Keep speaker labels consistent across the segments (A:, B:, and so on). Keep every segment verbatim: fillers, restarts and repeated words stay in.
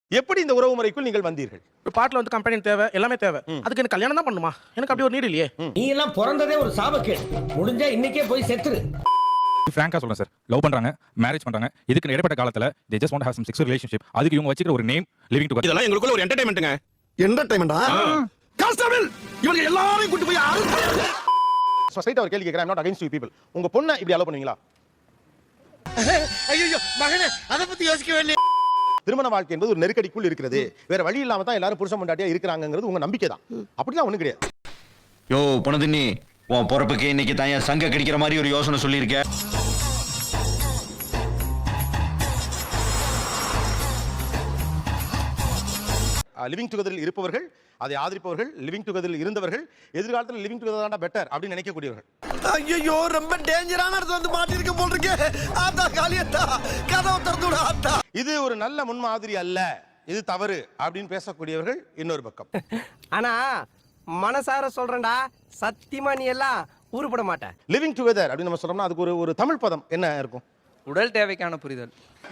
A: எப்படி இந்த உறவு முறைக்குள் நீங்கள் வந்தீர்கள்?
B: ஒரு பாட்டில் வந்து கம்பெனி தேவை, எல்லாமே தேவை. அதுக்கு எனக்கு கல்யாணம் தான் பண்ணுமா? எனக்கு அப்படி ஒரு நீடு இல்லையே.
C: நீ எல்லாம் பிறந்ததே ஒரு சாபக்கேடு. முடிஞ்சா இன்னைக்கே போய் செத்துரு.
D: ஃப்ராங்கா சொல்றேன் சார், லவ் பண்றாங்க, மேரேஜ் பண்றாங்க, இதுக்கு இடைப்பட்ட காலத்துல they just want to have some sexual relationship. அதுக்கு இவங்க வச்சிக்கிற ஒரு நேம் லிவிங் டுகெதர்.
E: இதெல்லாம் எங்களுக்குள்ள ஒரு என்டர்டெயின்மென்ட்ங்க.
F: என்டர்டெயின்மெண்டா? கான்ஸ்டபிள் இவங்க எல்லாரையும் கூட்டி போய் அரெஸ்ட் பண்ணு.
A: ஸ்ட்ரைட்டா ஒரு கேள்வி கேக்குறேன். I'm not against you people. உங்க பொண்ணை இப்படி அலோ பண்ணுவீங்களா?
F: ஐயோ மகனே அத பத்தி யோசிக்கவே இல்ல.
A: திருமண வாழ்க்கை என்பது ஒரு நெருக்கடிக்குள் இருக்கிறது. வேற வழி இல்லாம தான் எல்லாரும் புருஷன் பொண்டாட்டியா இருக்காங்கங்கிறது உங்க நம்பிக்கை தான். அப்படிலாம் ஒண்ணு கிடையாது.
G: யோ பொணதினி, உன் பொறுப்புக்கு இன்னைக்கு தான் சங்க கடிக்கிற மாதிரி ஒரு யோசனை சொல்லியிருக்க.
A: லிவிங் டுகெதரில் இருப்பவர்கள், அதை ஆதரிப்பவர்கள், லிவிங் டுகெதரில் இருந்தவர்கள், எதிர்காலத்தில் லிவிங் டுகெதர் தான் பெட்டர் அப்படின்னு நினைக்கக்கூடியவர்கள்.
F: ஐயோ ரொம்ப டேஞ்சரான இடத்துல வந்து மாட்டிருக்க போல இருக்கே. ஆத்தா காளியத்தா கதவை திறந்து விடு ஆத்தா.
A: இது ஒரு நல்ல முன்மாதிரி அல்ல, இது தவறு அப்படின்னு பேசக்கூடியவர்கள் இன்னொரு பக்கம்.
C: ஆனா மனசார சொல்றேன்டா, சத்தியமா நீ எல்லாம் ஊருப்பட மாட்ட.
A: லிவிங் டுகெதர் அப்படின்னு நம்ம சொல்றோம்னா அதுக்கு ஒரு ஒரு தமிழ் பதம் என்ன இருக்கும்?
H: உடல் தேவைக்கான புரிதல்.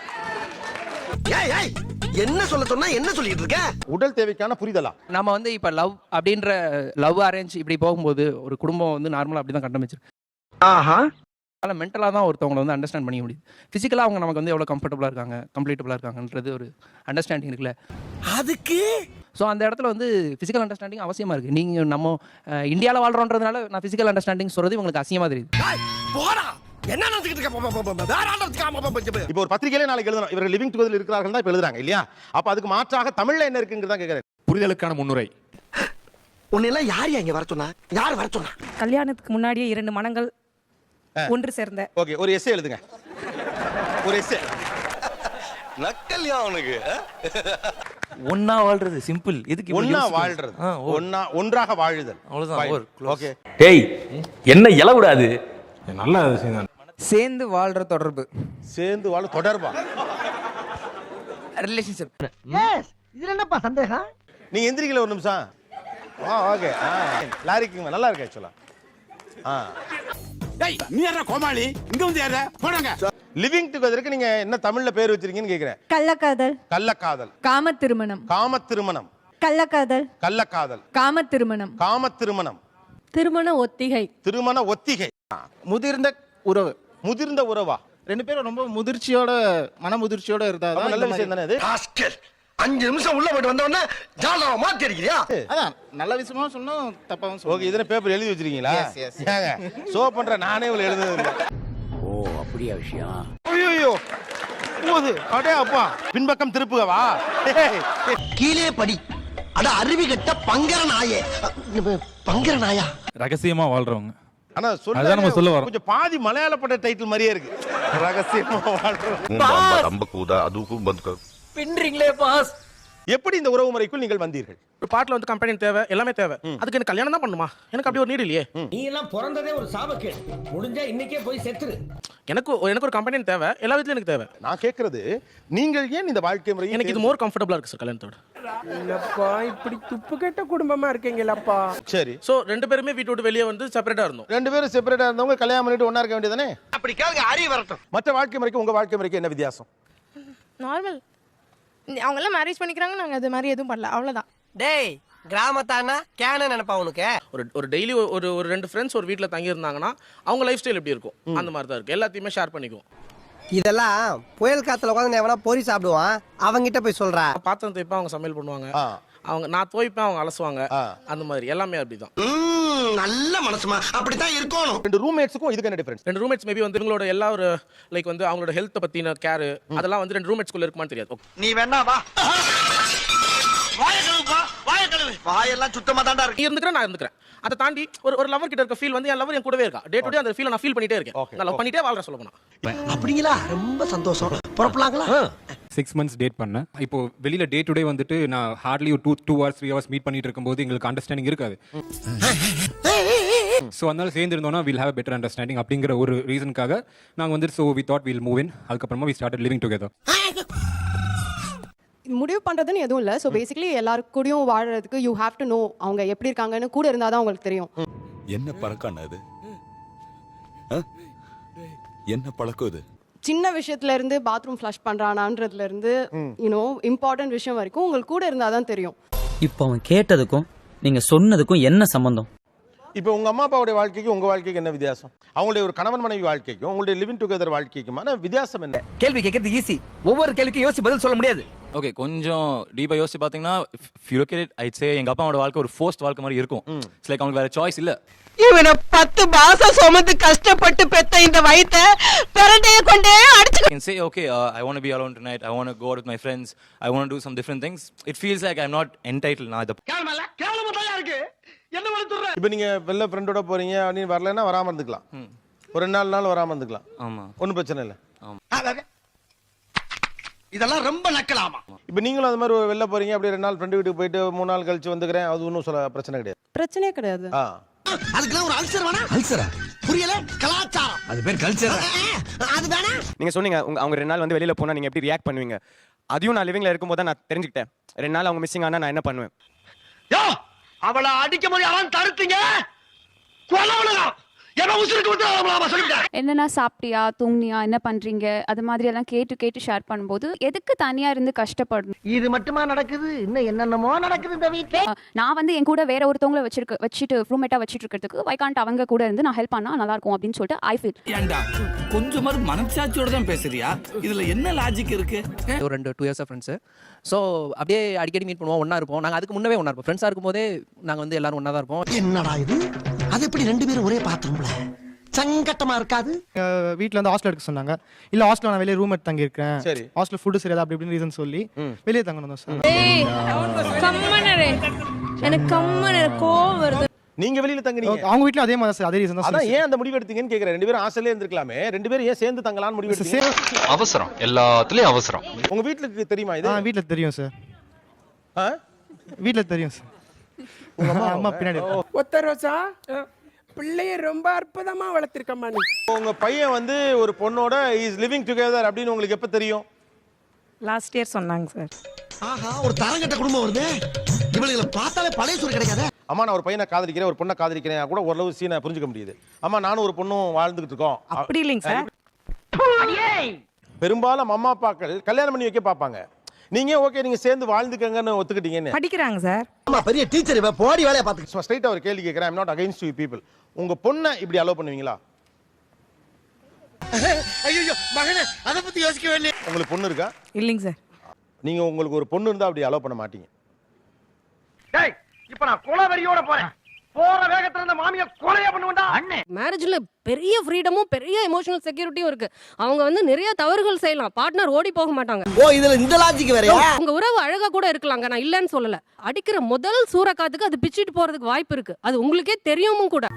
F: ஏய் ஏய் என்ன சொல்ல சொன்னா என்ன சொல்லிட்டு இருக்க?
A: உடல் தேவைக்கான புரிதலா?
H: நம்ம வந்து இப்ப லவ் அப்படின்ற லவ் அரேஞ்ச் இப்படி போகும்போது ஒரு குடும்பம் வந்து நார்மலா அப்படிதான் கட்டமைச்சிருக்கு.
C: ஆஹா.
H: அதனால மென்டலா தான் ஒருத்தவங்களை வந்து அண்டர்ஸ்டாண்ட் பண்ணிக்க முடியுது. பிசிக்கலா அவங்க நமக்கு வந்து எவ்வளவு கம்ஃபர்டபுளா இருக்காங்க, கம்ப்ளீட்டபுளா இருக்காங்கன்றது ஒரு அண்டர்ஸ்டாண்டிங் இருக்குல்ல.
F: அதுக்கு
H: ஸோ அந்த இடத்துல வந்து பிசிக்கல் அண்டர்ஸ்டாண்டிங் அவசியமா இருக்கு. நீங்க நம்ம இந்தியாவில் வாழ்றோன்றதுனால நான் பிசிக்கல் அண்டர்ஸ்டாண்டிங் சொல்றது உங்களுக்கு அசிங்கமா தெரியுது.
F: போடா என்ன நினைச்சிட்டு இருக்க? வேற ஆளத்துக்கு
A: இப்போ ஒரு பத்திரிகையில நாளைக்கு எழுதணும் இவர்கள் லிவிங் டுகெதர் இருக்கிறார்கள் தான் இப்ப எழுதுறாங்க இல்லையா? அப்ப அதுக்கு மாற்றாக தமிழ்ல என்ன இருக்குங்கிறத கேக்குறேன்.
D: புரிதலுக்கான முன்னுரை.
F: உன்னை எல்லாம் யார் இங்க வர சொன்னா? யார் வர சொன்னா?
I: கல்யாணத்துக்கு முன்னாடியே இரண்டு மனங்கள் ஒன்று சேர்ந்த.
A: ஓகே, ஒரு எஸ்ஸே எழுதுங்க. ஒரு எஸ்ஸே.
E: நக்கல்யா அவனுக்கு.
J: ஒன்னா வாழ்றது சிம்பிள். இதுக்கு
A: ஒன்னா வாழ்றது, ஒன்னா ஒன்றாக வாழுதல்,
J: அவ்வளவுதான்.
A: ஓகே.
J: டேய் என்ன இல விடாது.
D: நல்ல விஷயம் தான்.
H: சேர்ந்து வாழ்ற தொடர்பு,
A: சேர்ந்து வாழ தொடர்பா,
H: ரிலேஷன்ஷிப்.
C: எஸ் இதுல என்னப்பா சந்தேகம்?
A: நீங்க எந்திரிக்கல ஒரு நிமிஷம். ஆ ஓகே. ஆ லாரிக்குங்க நல்லா இருக்கு ஆக்சுவலா. ஆ
E: டேய் நீ யாரா கோமாளி? இங்க வந்து யாரா? போடுங்க.
A: லிவிங் டுகெதருக்கு நீங்க என்ன தமிழ்ல பேர் வச்சிருக்கீங்கன்னு கேக்குறேன்.
I: கள்ளக்காதல்,
A: கள்ளக்காதல்,
I: காம திருமணம்.
A: காம திருமணம்.
I: கள்ளக்காதல்,
A: கள்ளக்காதல்,
I: காம திருமணம்,
A: காம திருமணம்,
I: திருமண ஒத்திகை,
A: திருமண ஒத்திகை.
B: முதிர்ந்த உறவு,
A: முதிர்ந்த உறவா?
B: ரெண்டு பேரும் ரொம்ப முதிர்ச்சியோட மன முதிர்ச்சியோட இருந்தா
A: நல்ல விஷயம் தானே அது.
F: ராஸ்கல் அஞ்சு நிமிஷம் உள்ள போயிட்டு வந்த உடனே ஜாலவ மாத்தி அடிக்கிறியா?
B: அதான் நல்ல விஷயமா சொன்னோம், தப்பாவும் சொன்னோம்.
A: ஓகே, இதன பேப்பர் எழுதி வச்சிருக்கீங்களா? ஏங்க சோ பண்ற நானே இவ்வளவு எழுதுனது இல்ல.
C: ஓ அப்படியே விஷயம்.
A: ஐயோ போது அடே அப்பா, பின்பக்கம் திருப்புகவா?
F: கீழே படி. அட அருவி கட்ட பங்கர நாயே. பங்கர நாயா?
D: ரகசியமா வாழ்றவங்க.
A: ஆனா
D: அதான் நம்ம சொல்ல வரோம்.
A: கொஞ்சம் பாதி மலையாள பட டைட்டில் மாதிரியே இருக்கு. ரகசியமா வாழ்றவங்க.
E: ரொம்ப கூதா அதுக்கும் பந்து.
H: பின்றீங்களே பாஸ்.
A: எப்படி இந்த உறவு முறைக்குள் நீங்கள் வந்தீர்கள்?
B: ஒரு பாட்டில் வந்து கம்பெனி தேவை, எல்லாமே தேவை. அதுக்கு எனக்கு கல்யாணம் தான் பண்ணுமா? எனக்கு அப்படி ஒரு நீடு இல்லையே.
C: நீ எல்லாம் பிறந்ததே ஒரு சாபக்கேடு. முடிஞ்சா இன்னைக்கே போய் செத்துரு.
B: எனக்கு எனக்கு ஒரு கம்பெனி தேவை, எல்லா விதத்துலயும் எனக்கு தேவை.
A: நான் கேக்குறது நீங்கள் ஏன் இந்த வாழ்க்கை முறை
B: எனக்கு இது மோர் கம்ஃபர்டபுளா இருக்கு சார் கல்யாணத்தோட.
C: இல்லப்பா இப்படி துப்பு கெட்ட குடும்பமா இருக்கீங்களப்பா.
A: சரி.
B: சோ ரெண்டு பேருமே வீட்டு விட்டு வெளியே வந்து செப்பரேட்டா இருந்தோம்.
A: ரெண்டு பேரும் செப்பரேட்டா இருந்தவங்க கல்யாணம் பண்ணிட்டு ஒண்ணா இருக்க வேண்டியதானே?
F: அப்படி கேளுங்க, அறிய வரட்டும்.
A: மற்ற வாழ்க்கை முறைக்கு உங்க வாழ்க்கை முறைக்கு என்ன வித்தியாசம்?
I: நார்மல். அவங்க எல்லாம் மேரேஜ் பண்ணிக்கிறாங்க, நாங்க அது மாதிரி எதுவும் பண்ணல, அவ்வளவுதான்.
C: டேய் கிராமத்தானா கேன நினைப்பா உனக்கு. ஒரு
B: ஒரு டெய்லி ஒரு ஒரு ரெண்டு ஃப்ரெண்ட்ஸ் ஒரு வீட்ல தங்கி இருந்தாங்கன்னா அவங்க லைஃப் ஸ்டைல் எப்படி இருக்கும் அந்த மாதிரி தான் இருக்கு. எல்லாத்தையுமே ஷேர் பண்ணிக்குவோம்.
C: இதெல்லாம் புயல் காத்துல உட்காந்து எவனா பொறி சாப்பிடுவான், அவங்கிட்ட போய் சொல்றா.
B: பாத்திரம் தேய்ப்பா, அவங்க சமையல் பண்ணுவாங்க. அவங்க நான் துவைப்பேன், அவங்க அலசுவாங்க. அந்த மாதிரி எல்லாமே அப்படிதான்.
F: நல்ல மனசுமா அப்படித்தான் இருக்கணும்.
A: ரெண்டு ரூம்மேட்ஸ்க்கும் இதுக்கு என்ன டிஃபரன்ஸ்?
B: ரெண்டு ரூம்மேட்ஸ் மேபி வந்து இவங்களோட எல்லா ஒரு லைக் வந்து அவங்களோட ஹெல்த் பத்தின கேர் அதெல்லாம் வந்து ரெண்டு ரூம்மேட்ஸ்க்குள்ள இருக்குமான்னு தெரியாது.
F: நீ வேணா வா. வாய கழுவுப்பா, வாய கழுவு. வாயெல்லாம் சுத்தமா தான்டா இருக்கு.
B: நீ இருந்துக்கற நான் இருந்துக்கறேன். அதை தாண்டி ஒரு ஒரு லவர் கிட்ட இருக்க ஃபீல் வந்து என் லவர் என் கூடவே இருக்கா. டே டு டே அந்த ஃபீலை நான் ஃபீல் பண்ணிட்டே இருக்கேன். நான் லவ் பண்ணிட்டே வாழ்ற சொல்ல போனா.
F: அப்படிங்களா? ரொம்ப சந்தோஷம். புறப்படலாங்களா?
D: சிக்ஸ் மந்த்ஸ் டேட் பண்ணேன். இப்போ வெளியில டே டு டே வந்துட்டு நான் ஹார்ட்லி ஒரு two two hours three hours meet பண்ணிட்டு இருக்கும்போது எங்களுக்கு அண்டர்ஸ்டாண்டிங் இருக்காது. ஸோ அதனால சேர்ந்து இருந்தோம்னா வில் ஹேவ் பெட்டர் அண்டர்ஸ்டாண்டிங் அப்படிங்கிற ஒரு ரீசனுக்காக நாங்கள் வந்து so we thought will move in. அதுக்கப்புறமா வி ஸ்டார்டட் லிவிங் டுகெதர்.
I: முடிவு பண்றதுன்னு எதுவும் இல்ல. சோ பேசிக்கலி எல்லாரும் கூடயும் வாழறதுக்கு யூ ஹேவ் டு நோ அவங்க எப்படி இருக்காங்கன்னு கூட இருந்தாதான் உங்களுக்கு தெரியும்.
E: என்ன பழக்கம் அது? என்ன பழக்கம் இது?
I: சின்ன விஷயத்துல இருந்து பாத்ரூம் ஃப்ளஷ் பண்றானான்றதுல இருந்து யூனோ இம்பார்ட்டன்ட் விஷயம் வரைக்கும் உங்களுக்கு கூட இருந்தாதான் தெரியும்.
J: இப்போ அவன் கேட்டதுக்கும் நீங்க சொன்னதுக்கும் என்ன சம்பந்தம்?
A: இப்போ உங்க அம்மா அப்பாவுடைய வாழ்க்கைக்கு உங்க வாழ்க்கைக்கு என்ன வித்தியாசம்? அவங்களுடைய ஒரு கணவன் மனைவி வாழ்க்கைக்கும் உங்களுடைய லிவிங் டுகெதர் வாழ்க்கைக்குமான வித்தியாசம் என்ன?
C: கேள்வி கேட்கறது ஈஸி, ஒவ்வொரு கேள்விக்கும் யோசிச்சு பதில் சொல்ல முடியாது.
D: ஓகே, கொஞ்சம் டீப்பா யோசிச்சு பாத்தீங்கன்னா if you look at it, I'd say எங்க அப்பாவோட வாழ்க்கை ஒரு ஃபோர்ஸ்ட் வாழ்க்கை மாதிரி இருக்கும். இட்ஸ் லைக் அவங்களுக்கு வேற சாய்ஸ் இல்ல.
C: இவனை பத்து மாசம் சுமந்து கஷ்டப்பட்டு பெத்த இந்த வயித்த பெரட்டைய கொண்டே அடிச்சு
D: I can say okay, uh, I want to be alone tonight. I want to go out with my friends. I want to do some different things. It feels like I'm not entitled now. The
C: கேவலமா கேவலமா தான் இருக்கு. என்ன வளத்துற?
A: இப்போ நீங்க வெளில ஃப்ரெண்டோட போறீங்க, நீ வரலன்னா வராம இருந்துக்கலாம். ஒரு ரெண்டு நாலு நாள் வராம இருந்துக்கலாம்.
D: ஆமா,
A: ஒன்றும் பிரச்சனை இல்லை.
F: இதெல்லாம் ரொம்ப நக்கலாமா?
A: இப்போ நீங்களும் அது மாதிரி வெளில போறீங்க, அப்படியே ரெண்டு நாள் ஃப்ரெண்டு வீட்டுக்கு போயிட்டு மூணு நாள் கழிச்சு வந்துக்கிறேன், அது ஒன்றும் சொல்ல பிரச்சனை கிடையாது.
I: பிரச்சனையே கிடையாது.
A: ஆ,
F: அதுக்கெல்லாம் ஒரு அல்சர் வேணா? அல்சரா? புரியல? கலாச்சாரம். அது பேர் கல்ச்சர். அது வேணா?
C: நீங்க சொன்னீங்க அவங்க ரெண்டு நாள் வந்து வெளியில போனா நீங்க எப்படி ரியாக்ட் பண்ணுவீங்க. அதையும் நான் லிவிங்ல இருக்கும்போது நான் தெரிஞ்சுக்கிட்டேன். ரெண்டு நாள் அவங்க மிஸ்ஸிங் ஆனா நான் என்ன பண்ணுவேன்.
F: யோ, அவளை அடிக்க போது அவன் தடுத்தீங்க. கொலவளா என்ன உசுருக்கு விட்டு சொல்லிட்டேன்.
I: என்னன்னா சாப்பிட்டியா, தூங்கியா, என்ன பண்றீங்க, அது மாதிரி எல்லாம் கேட்டு கேட்டு ஷேர் பண்ணும்போது எதுக்கு தனியா இருந்து கஷ்டப்படணும்?
C: இது மட்டுமா நடக்குது? இன்னும் என்னென்னமோ நடக்குது இந்த வீட்ல.
I: நான் வந்து என் கூட வேற ஒருத்தவங்களை வச்சிருக்க வச்சுட்டு ரூம்மேட்டா வச்சிட்டு இருக்கிறதுக்கு வை காண்ட் அவங்க கூட இருந்து நான் ஹெல்ப் பண்ணா நல்லா இருக்கும் அப்படின்னு சொல்லிட்டு ஐ ஃபீல்.
E: ஏண்டா கொஞ்சமாவது மனசாட்சியோட தான் பேசுறியா? இதுல என்ன லாஜிக் இருக்கு?
H: ஒரு ரெண்டு டூ இயர்ஸ் ஃப்ரெண்ட்ஸு. ஸோ அப்படியே அடிக்கடி மீட் பண்ணுவோம், ஒன்றா இருப்போம். நாங்கள் அதுக்கு முன்னவே ஒன்றா இருப்போம். ஃப்ரெண்ட்ஸாக இருக்கும் போதே நாங்கள் வந்து எல்லாரும் ஒன்றா தான் இருப்போம்.
F: என்னடா இது? அது எப்படி ரெண்டு பேரும் ஒரே பாத்ரூம்ல? சங்கட்டமா இருக்காது?
H: வீட்டில் வந்து ஹாஸ்டல் எடுக்க சொன்னாங்க. இல்லை ஹாஸ்டல் நான் வெளியே ரூம் எடுத்து தங்கி இருக்கேன்,
A: சரி,
H: ஹாஸ்டல் ஃபுட்டு சரியாது அப்படி இப்படின்னு ரீசன் சொல்லி வெளியே தங்கணும் சார்.
I: எனக்கு கம்மன கோவம் வருது.
A: நீங்க வெளியில தங்குனீங்க,
H: அவங்க வீட்ல அதே மாதிரி சார், அதே ரீசன் தான்.
A: அதான் ஏன் அந்த முடிவு எடுத்தீங்கன்னு கேக்குறேன். ரெண்டு பேரும் ஹாஸ்டல்லே இருந்திருக்கலாமே, ரெண்டு பேரும் ஏன் சேர்ந்து தங்கலாம்னு முடிவு எடுத்தீங்க?
G: அவசரம், எல்லாத்துலயும் அவசரம்.
A: உங்க வீட்டுக்கு தெரியுமா இது?
H: வீட்டில் தெரியும் சார்.
A: ஆ,
H: வீட்டில் தெரியும் சார். உங்க அம்மா அம்மா பின்னாடி
C: ஒத்த ரோசா பிள்ளைய ரொம்ப அற்புதமா வளர்த்திருக்கம்மா நீ.
A: உங்க பையன் வந்து ஒரு பொண்ணோட இஸ் லிவிங் டுகெதர் அப்படின்னு உங்களுக்கு எப்ப தெரியும்?
I: லாஸ்ட் இயர் சொன்னாங்க சார்.
F: ஆஹா, ஒரு தரங்கட்ட குடும்பம் வருது. இவளுகளை பார்த்தாலே பழைய சூறு கிடைக்காது.
A: அம்மா நான் ஒரு பையனை காதலிக்கிறேன், ஒரு பொண்ணை காதலிக்கிறேன் கூட ஓரளவு சீனை புரிஞ்சுக்க முடியுது. அம்மா நானும் ஒரு பொண்ணும் வாழ்ந்துகிட்டு இருக்கோம்.
I: அப்படி இல்லைங்க சார்.
A: பெரும்பாலும் அம்மா அப்பாக்கள் கல்யாணம் பண்ணி வைக்க பார்ப்பாங்க. நீங்க ஓகே நீங்க சேர்ந்து வாழ்ந்துக்கங்கன்னு ஒத்துக்கிட்டீங்கன்னு
I: படிக்கிறாங்க சார்.
F: ஆமா, பெரிய டீச்சர் இவ போடி வேலைய பாத்துக்க.
A: ஸ்ட்ரைட்டா ஒரு கேள்வி கேக்குறேன். I am not against you people. உங்க பொண்ணை இப்படி அலோவ் பண்ணுவீங்களா?
F: ஐயோ மகனே, அத பத்தி யோசிக்கவே இல்லையே.
A: உங்களுக்கு பொண்ணு இருக்கா?
I: இல்லைங்க சார்.
A: நீங்க உங்களுக்கு ஒரு பொண்ணு இருந்தா அப்படி அலோவ் பண்ண மாட்டீங்க.
C: டேய், இப்போ நான் கொலவெறியோட போறேன். போற வேகத்துல இருந்த மாமியை கொலையா பண்ணுவேன்டா அண்ணே.
I: மேரேஜ்ல பெரிய ஃப்ரீடமும் பெரிய எமோஷனல் செக்யூரிட்டியும் இருக்கு. அவங்க வந்து நிறைய தவறுகள் செய்யலாம், பார்ட்னர் ஓடி போக மாட்டாங்க.
F: ஓ, இதுல இந்த லாஜிக் வேறயா?
I: உங்க உறவு அழகா கூட இருக்கலாங்க, நான் இல்லன்னு சொல்லல. அடிக்கிற முதல் சூறக்காத்துக்கு அது பிச்சிட்டு போறதுக்கு வாய்ப்பு இருக்கு. அது உங்களுக்கே தெரியுமும் கூட.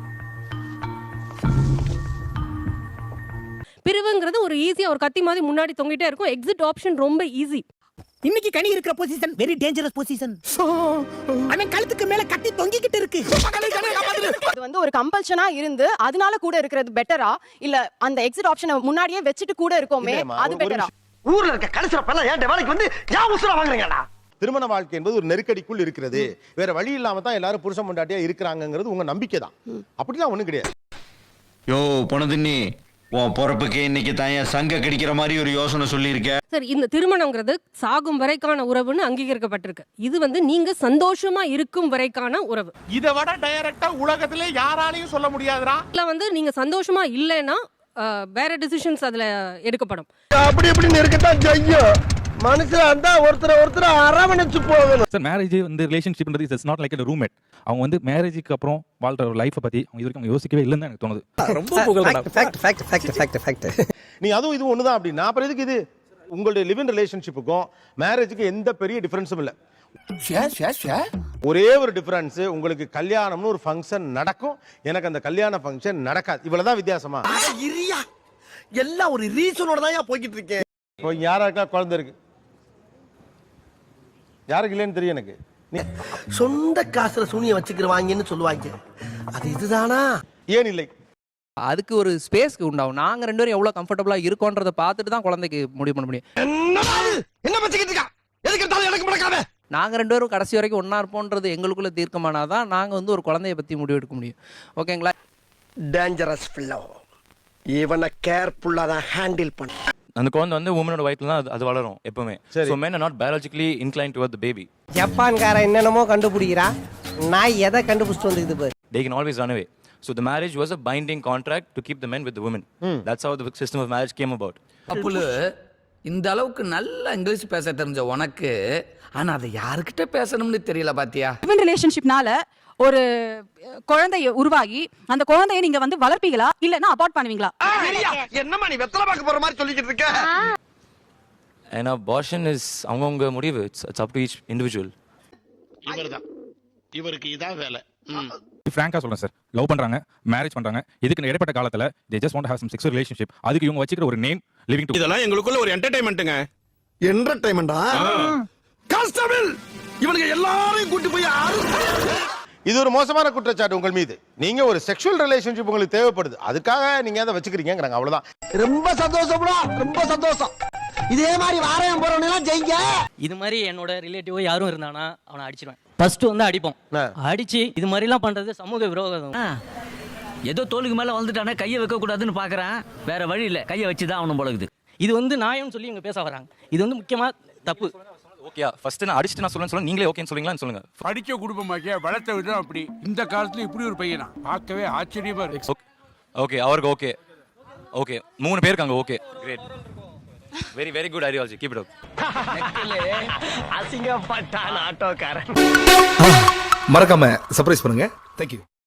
I: பிரிவுங்கிறது ஒரு ஈஸியா ஒரு கத்தி மாதிரி முன்னாடி தொங்கிட்டே இருக்கும். எக்ஸிட் ஆப்ஷன் ரொம்ப ஈஸி.
C: இன்னைக்கு கனி இருக்கிற பொசிஷன் வெரி டேஞ்சரஸ் பொசிஷன். அவன் கழுத்துக்கு மேல கட்டி தொங்கிக்கிட்டு இருக்கு.
I: அது வந்து ஒரு கம்பல்ஷனா இருந்து அதனால கூட இருக்கிறது பெட்டரா, இல்ல அந்த எக்ஸிட் ஆப்ஷனை முன்னாடியே வச்சுட்டு கூட இருக்கோமே அது பெட்டரா?
F: ஊர்ல இருக்க கடைசில பல்ல ஏன் வேலைக்கு வந்து ஏன் உசுர வாங்குறீங்கடா?
A: திருமண வாழ்க்கை என்பது ஒரு நெருக்கடிக்குள் இருக்கிறது. வேற வழி இல்லாம தான் எல்லாரும் புருஷன் பொண்டாட்டியா இருக்கிறாங்கிறது உங்க நம்பிக்கை தான். அப்படிலாம் ஒண்ணும் கிடையாது.
G: யோ பொணதின்னி, உன் பொறப்புக்கு இன்னைக்கு தான் சங்க கடிக்கிற மாதிரி ஒரு யோசனை சொல்லியிருக்க.
I: சார், இந்த திருமணம்ங்கிறது சாகும் வரைக்கான உறவுன்னு அங்கீகரிக்கப்பட்டிருக்கு. இது வந்து நீங்க சந்தோஷமா இருக்கும் வரைக்கான உறவு.
C: இத விட டைரக்டா உலகத்திலே யாராலையும் சொல்ல முடியாதுடா.
I: இல்ல வந்து நீங்க சந்தோஷமா இல்லைன்னா வேற டிசிஷன்ஸ் அதுல எடுக்கப்படும்.
F: அப்படி இப்படி இருக்கத்தான் செய்யும். மனுஷன் அந்த ஒருத்தர ஒருத்தர அரவணைச்சு போகணும்.
D: சார் மேரேஜ் வந்து ரிலேஷன்ஷிப்ன்றது it's not like a roommate. அவங்க வந்து மேரேஜுக்கு அப்புறம் வாழ்ற லைஃப்பை பத்தி அவங்க இதுவரைக்கும் அவங்க யோசிக்கவே இல்லைன்னு எனக்கு தோணுது.
C: ரொம்ப புகழ்டா. Fact fact fact fact fact.
A: நீ அதுவும் இது ஒண்ணுதான் அப்படின்னா அப்புறம் எதுக்கு இது? உங்களுடைய லிவ் இன் ரிலேஷன்ஷிப்புக்கும் மேரேஜுக்கு எந்த பெரிய டிஃபரன்ஸும் இல்லை. ஒரே ஒரு டிஃபரன்ஸ், உங்களுக்கு கல்யாணம்னு ஒரு ஃபங்க்ஷன் நடக்கும், எனக்கு அந்த கல்யாண ஃபங்க்ஷன் நடக்காது. இவ்வளவுதான் வித்தியாசமா.
F: இரியா, எல்லாம் ஒரு ரீசனோட தான் போய்கிட்டு இருக்கேன்.
A: இப்போ யாராக்கா குழந்தை இருக்கு, யாருக்கு இல்லைன்னு தெரியும் எனக்கு.
F: சொந்த காசுல சூனிய வச்சுக்கிறவாங்கன்னு சொல்லுவாங்க, அது இதுதானா?
A: ஏன் இல்லை?
H: அதுக்கு ஒரு ஸ்பேஸ்க்கு உண்டாகும். நாங்கள் ரெண்டு பேரும் எவ்வளோ கம்ஃபர்டபுளாக இருக்கோன்றதை பார்த்துட்டு தான் குழந்தைக்கு முடிவு பண்ண முடியும்.
F: என்ன பச்சிக்கிட்டு இருக்கா? எதுக்கு எடுத்தாலும் எனக்கு முடக்காம.
H: நாங்கள் ரெண்டு பேரும் கடைசி வரைக்கும் ஒன்றா இருப்போன்றது எங்களுக்குள்ள தீர்க்கமானாதான் நாங்கள் வந்து ஒரு குழந்தைய பற்றி முடிவு எடுக்க முடியும். ஓகேங்களா?
F: Dangerous fellow. இவனை கேர்ஃபுல்லா தான் ஹேண்டில் பண்ண.
C: அந்த குழந்தை வந்து உமனோட வயித்துல தான் அது- அது வளரும் எப்பவுமே. So men are not biologically inclined toward the baby.
F: ஜப்பான்கார என்னென்னமோ கண்டுபிடிக்கிறா, நான் எதை கண்டுபிடிச்சிட்டு வந்துக்குது பாரு.
C: They can always run away. So the marriage was a binding contract to keep the men with the women. That's how the system of marriage came about.
E: அப்புலு இந்த அளவுக்கு நல்ல இங்கிலீஷ் பேச தெரிஞ்ச உனக்கு ஆனா அதை யாருக்கிட்ட பேசணும்னு தெரியல பாத்தியா?
I: லிவ் ரிலேஷன்ஷிப்னால ஒரு குழந்தை உருவாகி அந்த குழந்தையை நீங்க வந்து வளர்ப்பீங்களா இல்லனா அபார்ட் பண்ணுவீங்களா?
F: என்னம்மா நீ வெத்தலை பார்க்க போற மாதிரி சொல்லிக்கிட்டு இருக்க?
C: And abortion is அவங்கவங்க முடிவு. It's, it's up to each individual.
F: இவர்தான் இவருக்கு இதான் வேலை.
D: ஃப்ராங்கா சொல்றேன் சார், லவ் பண்றாங்க, மேரேஜ் பண்றாங்க, இதுக்கு இடைப்பட்ட காலத்துல they just want to have some sexual relationship. அதுக்கு இவங்க வச்சிக்கிற ஒரு நேம் லிவிங் டு.
A: இதெல்லாம் எங்களுக்குள்ள ஒரு என்டர்டெயின்மெண்ட்டுங்க.
F: என்டர்டெயின்மெண்டா? கான்ஸ்டபிள் இவனுக்கு எல்லாரையும் கூட்டி போய்
A: இது ஒரு மோசமான குற்றச்சாட்டு உங்கள் மீது. நீங்க ஒரு செக்ஷுவல் ரிலேஷன்ஷிப் உங்களுக்கு தேவைப்படுது, அதுக்காக நீங்க அதை வச்சுக்கிறீங்கிறாங்க, அவ்வளவுதான்.
F: ரொம்ப சந்தோஷம்டா, ரொம்ப சந்தோஷம். இதே மாதிரி வாரம் போறவனெல்லாம் ஜெயிங்க.
J: இது மாதிரி என்னோட ரிலேட்டிவ் யாரும் இருந்தானா அவனை அடிச்சிருவேன். ஃபர்ஸ்ட் வந்து அடிப்போம், அடிச்சு இது மாதிரி எல்லாம் பண்றது சமூக விரோதம்.
E: ஏதோ தோலுக்கு மேல வந்துட்டானே கையை வைக்க கூடாதுன்னு பாக்குறேன். வேற வழி இல்ல, கையை வச்சுதான் அவனும் போலகுது.
J: இது வந்து நியாயம்னு சொல்லி இவங்க பேச வராங்க. இது வந்து முக்கியமா தப்பு.
C: ஓகே, ஃபர்ஸ்ட் நான் அடிச்சிட்டு நான் சொல்றேன் சொல்லுங்க, நீங்களே ஓகேன்னு சொல்லுங்களான்னு சொல்லுங்க.
K: படிக்க குடும்பமாக்கிய வளர்த்த விதம் அப்படி. இந்த காலத்துல இப்படி ஒரு பையனா பார்க்கவே ஆச்சரியமா இருக்கு.
C: ஓகே, அவருக்கு ஓகே. ஓகே, மூணு பேருக்கு அங்க okay. Great. Very very good ideology. Keep it up.
F: அசிங்கப்பட்டான் ஆட்டோக்காரன்.
K: மறக்காம சர்ப்ரைஸ் பண்ணுங்க. Thank you.